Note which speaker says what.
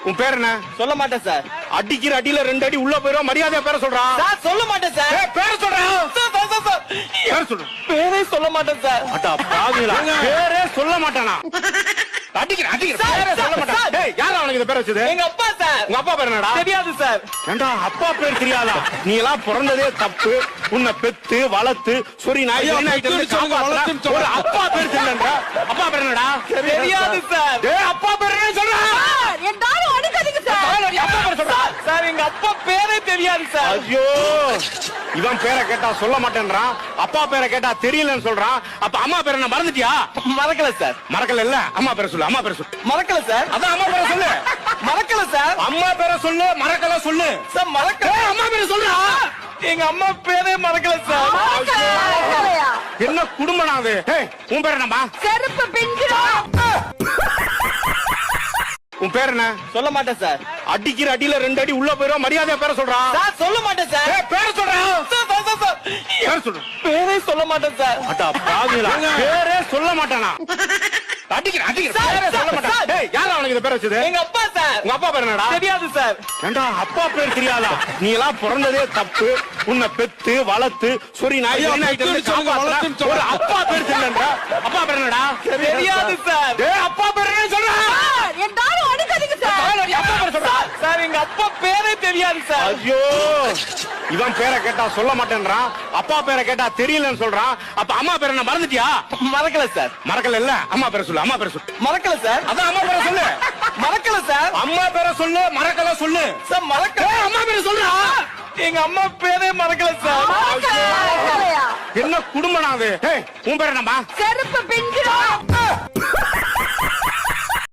Speaker 1: உன் பேர் என்ன?
Speaker 2: சொல்ல மாட்டேன் சார்.
Speaker 1: அடிக்கிற அடியில 2 அடி உள்ள போயிரும். மரியாதையா பேரை சொல்றா.
Speaker 2: சார் சொல்ல மாட்டேன் சார்.
Speaker 1: பேரை சொல்றா. பேரை சொல்லு.
Speaker 2: பேரே சொல்ல மாட்டேன் சார்.
Speaker 1: அடா பாவிகளா, பேரே சொல்ல மாட்டானா? அடிக்கிற பேரே சொல்ல மாட்டான். டேய், யாரா அவனுக்கு இந்த பேரை வச்சது?
Speaker 2: எங்க அப்பா சார்.
Speaker 1: உங்க அப்பா பேர் என்னடா?
Speaker 2: தெரியாது சார்.
Speaker 1: ஏண்டா அப்பா பேர் தெரியாதா? நீ எல்லாம் பிறந்ததே தப்பு. உன்னை பெத்து வளர்த்து சொரி நாய் ஒரு அப்பா பேர் தெரியலன்ற. அப்பா பேர் என்னடா?
Speaker 2: தெரியாது சார்.
Speaker 1: டேய், அப்பா பேர் என்ன சொல்றா?
Speaker 3: எல்லாரும் அடிக்காதீங்க சார்.
Speaker 1: அப்பா பேர் சொல்றா.
Speaker 2: சார் எங்க அப்பா பேரே தெரியாது சார்.
Speaker 1: ஐயோ, இவன் பேரை கேட்டா சொல்ல மாட்டேன்றான், அப்பா பேரை கேட்டா தெரியலன்னு சொல்றான். அப்ப அம்மா பேரை என்ன மறந்துட்டியா?
Speaker 2: மறக்கல சார்.
Speaker 1: மறக்கல இல்ல, அம்மா பேரை சொல்லு. அம்மா பேரை சொல்லு.
Speaker 2: மறக்கல சார்.
Speaker 1: அதான் அம்மா பேரை சொல்லு.
Speaker 2: மறக்கல சார்.
Speaker 1: அம்மா பேரை சொல்லு. மறக்கல சொல்லு.
Speaker 2: சார் மறக்கல.
Speaker 1: அம்மா பேரை சொல்றா.
Speaker 2: எங்க அம்மா பேரே மறக்கல சார்.
Speaker 3: மறக்கலையா?
Speaker 1: என்ன குடும்பம் அது? உன் பேர் என்னம்மா?
Speaker 3: செருப்பு பிஞ்சிரும்.
Speaker 1: உன் பேர் என்ன?
Speaker 2: சொல்ல மாட்டேன் சார்.
Speaker 1: அடிக்கிற அடியில 2 அடி உள்ள போயிரும். மரியாதையா பேரை சொல்றா.
Speaker 2: சார் சொல்ல மாட்டேன் சார்.
Speaker 1: பேரை சொல்றா. பேரை சொல்லு.
Speaker 2: பேரே சொல்ல மாட்டேன் சார்.
Speaker 1: அடா பாவிகளா, பேரே சொல்ல மாட்டானா? அடிக்கிற பேரே சொல்ல மாட்டான். டேய், யாரா அவனுக்கு இந்த பேரை வச்சது?
Speaker 2: எங்க அப்பா சார்.
Speaker 1: உங்க அப்பா பேர் என்னடா?
Speaker 2: தெரியாது சார்.
Speaker 1: ஏண்டா அப்பா பேர் தெரியாதா? நீ எல்லாம் பிறந்ததே தப்பு. உன்னை பெத்து வளர்த்து சொரி நாய் ஒரு அப்பா பேர் தெரியலன்ற. அப்பா பேர் என்னடா?
Speaker 2: தெரியாது சார்.
Speaker 1: டேய், அப்பா பேர் என்ன சொல்றா?
Speaker 3: எல்லாரும் அடிக்காதீங்க சார்.
Speaker 1: அப்பா பேர் சொல்றா.
Speaker 2: சார் எங்க அப்பா பேரே தெரியாது சார்.
Speaker 1: ஐயோ, இவன் பேரை கேட்டா சொல்ல மாட்டேன்றான், அப்பா பேரை கேட்டா தெரியலன்னு சொல்றான். அப்ப அம்மா பேரை என்ன மறந்துட்டியா?
Speaker 2: மறக்கல சார்.
Speaker 1: மறக்கல இல்ல, அம்மா பேரை சொல்லு. அம்மா பேரை சொல்லு.
Speaker 2: மறக்கல சார்.
Speaker 1: அதான் அம்மா பேரை சொல்லு.
Speaker 2: மறக்கல சார்.
Speaker 1: அம்மா பேரை சொல்லு. மறக்கல சொல்லு.
Speaker 2: சார் மறக்கல.
Speaker 1: அம்மா பேரை சொல்றா.
Speaker 2: எங்க அம்மா பேரே மறக்கல சார்.
Speaker 3: மறக்கலையா?
Speaker 1: என்ன குடும்பம் அது? உன் பேர் என்னம்மா?
Speaker 3: செருப்பு பிஞ்சிரும்.